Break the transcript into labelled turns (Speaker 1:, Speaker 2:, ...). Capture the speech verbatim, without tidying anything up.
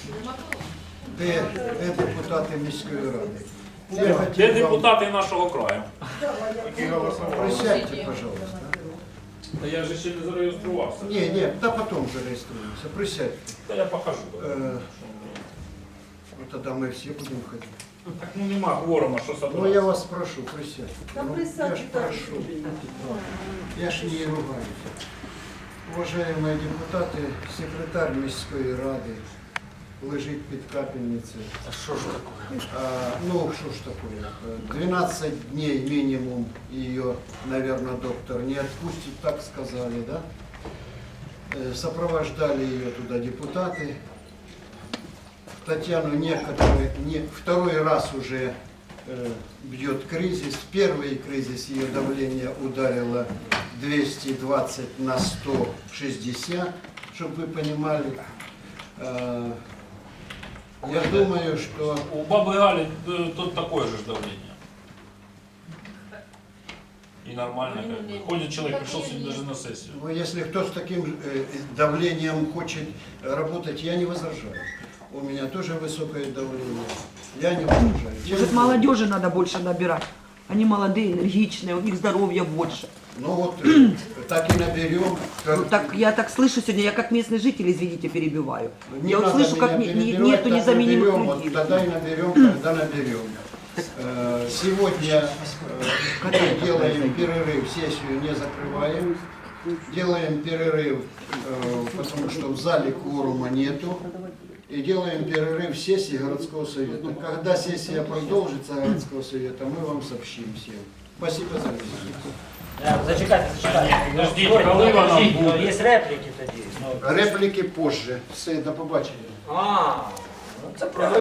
Speaker 1: Де, де депутати міської ради? Я
Speaker 2: Де
Speaker 1: хотів вам...
Speaker 2: депутати нашого краю?
Speaker 1: Присядьте, пожалуйста.
Speaker 2: Та я же ще не зареєструвався.
Speaker 1: Не, не, да потом зареєструємося. Присядьте.
Speaker 2: Та я покажу.
Speaker 1: Э, ну, тогда мы все будем ходить.
Speaker 2: Так ну нема кворума, що
Speaker 1: Ну
Speaker 2: собрати.
Speaker 1: я вас прошу, присядьте.
Speaker 3: Да
Speaker 1: Ну, я
Speaker 3: присядьте
Speaker 1: ж
Speaker 3: так.
Speaker 1: прошу. Я ж не ругаюсь. Уважаемые депутаты, секретарь міської ради лежить під капельницею.
Speaker 4: А що ж таке?
Speaker 1: А, ну, что ж такое? двенадцать дней минимум ее, наверное, доктор не отпустит, так сказали, да? Э, Сопровождали ее туда депутаты. Татьяну некоторые, не, второй раз уже э, бьет кризис. Первый кризис ее давление ударило двести двадцать на сто шестьдесят, чтобы вы понимали. Э, я думаю, что...
Speaker 2: У баби Галі е, тут такое же ж давление. И нормально как бы. Ходит человек, пришел сегодня даже на сессию.
Speaker 1: Ну, если кто с таким э, давлением хочет работать, я не возражаю. У меня тоже высокое давление. Я не возражаю. Тем
Speaker 5: Может,
Speaker 1: более-
Speaker 5: молодежи надо больше набирать. Они молодые, энергичные, у них здоровья больше.
Speaker 1: Ну вот, э, так и наберем.
Speaker 5: Ну, так, я так слышу сегодня, я как местный житель, извините, перебиваю.
Speaker 1: Не
Speaker 5: я вот
Speaker 1: надо
Speaker 5: слышу,
Speaker 1: меня
Speaker 5: как не- не-
Speaker 1: перебивать,
Speaker 5: нету
Speaker 1: так
Speaker 5: незаменимых
Speaker 1: наберем, вот
Speaker 5: людей.
Speaker 1: тогда и наберем, когда наберем. Э, Сегодня э, мы делаем перерыв, сессию не закрываем. Делаем перерыв, э, потому что в зале кворума нету. И делаем перерыв сессии городского совета. Когда сессия продолжится городского совета, мы вам сообщим всем. Спасибо за внимание.
Speaker 4: Зачекайте, зачекайте.
Speaker 2: Подождіть,
Speaker 4: Ой,
Speaker 2: коли вона
Speaker 4: подождіть,
Speaker 2: буде?
Speaker 4: ну, Є репліки тоді. Ну,
Speaker 1: Реплики позже. Все, до побачення.
Speaker 4: А, ну це правильно.